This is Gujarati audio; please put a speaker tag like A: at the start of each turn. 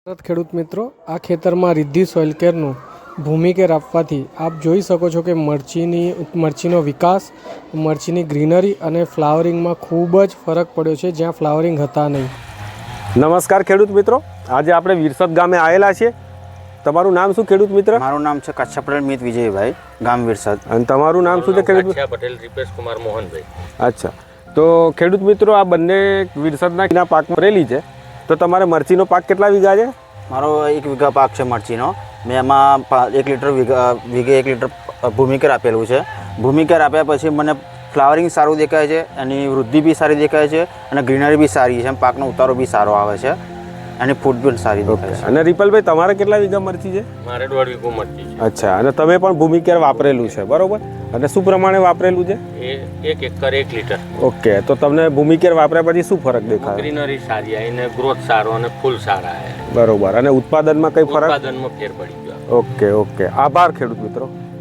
A: ખેડૂત મિત્રો, આ ખેતરમાં રિદ્ધિ સોઇલ કેરનું ભૂમિકેર આપવાથી આપ જોઈ શકો છો કે મરચીનો વિકાસ, મરચીની ગ્રીનરી અને ફ્લાવરિંગમાં ખૂબ જ ફરક પડ્યો છે, જ્યાં ફ્લાવરિંગ હતા નહીં.
B: નમસ્કાર ખેડૂત મિત્રો, આજે આપણે વિરસદ ગામે આવેલા છીએ. તમારું નામ શું ખેડૂત મિત્ર?
C: મારું નામ છે કચ્છા પટેલ મિત વિજયભાઈ, ગામ વિરસદ.
B: અને તમારું નામ શું છે ખેડૂત?
D: કચ્છા પટેલ રીપેશ કુમાર મોહનભાઈ.
B: અચ્છા, તો ખેડૂત મિત્રો, આ બંને વિરસદના પાકમાં રેલી છે. તો તમારે મરચીનો પાક કેટલા વીઘા છે?
C: મારો 1 વીઘા પાક છે મરચીનો. મેં એમાં 1 લીટર વીઘે 1 લીટર ભૂમિકેર આપેલું છે. ભૂમિકેર આપ્યા પછી મને ફ્લાવરિંગ સારું દેખાય છે, એની વૃદ્ધિ બી સારી દેખાય છે અને ગ્રીનરી બી સારી છે. પાકનો ઉતારો બી સારો આવે છે, એની ફૂટ બી સારી દેખાય છે.
B: અને રીપલભાઈ, તમારે કેટલા વીઘા મરચી છે?
D: મારે 1.5 વીઘો મરચી છે.
B: અચ્છા, અને તમે પણ ભૂમિકેર વાપરેલું છે, બરોબર? અને શું પ્રમાણે વાપરેલું છે?
D: એ 1 એકર 1 લીટર.
B: ઓકે, તો તમને ભૂમિકેર વાપર્યા પછી શું ફરક દેખાય?
D: ગ્રીનરી સારી આવી ને ગ્રોથ સારો અને ફૂલ સારા આવ્યા.
B: બરોબર. અને ઉત્પાદનમાં કઈ ફરક?
D: ઉત્પાદનમાં ફેર પડી ગયો.
B: ઓકે, આભાર ખેડૂત મિત્રો.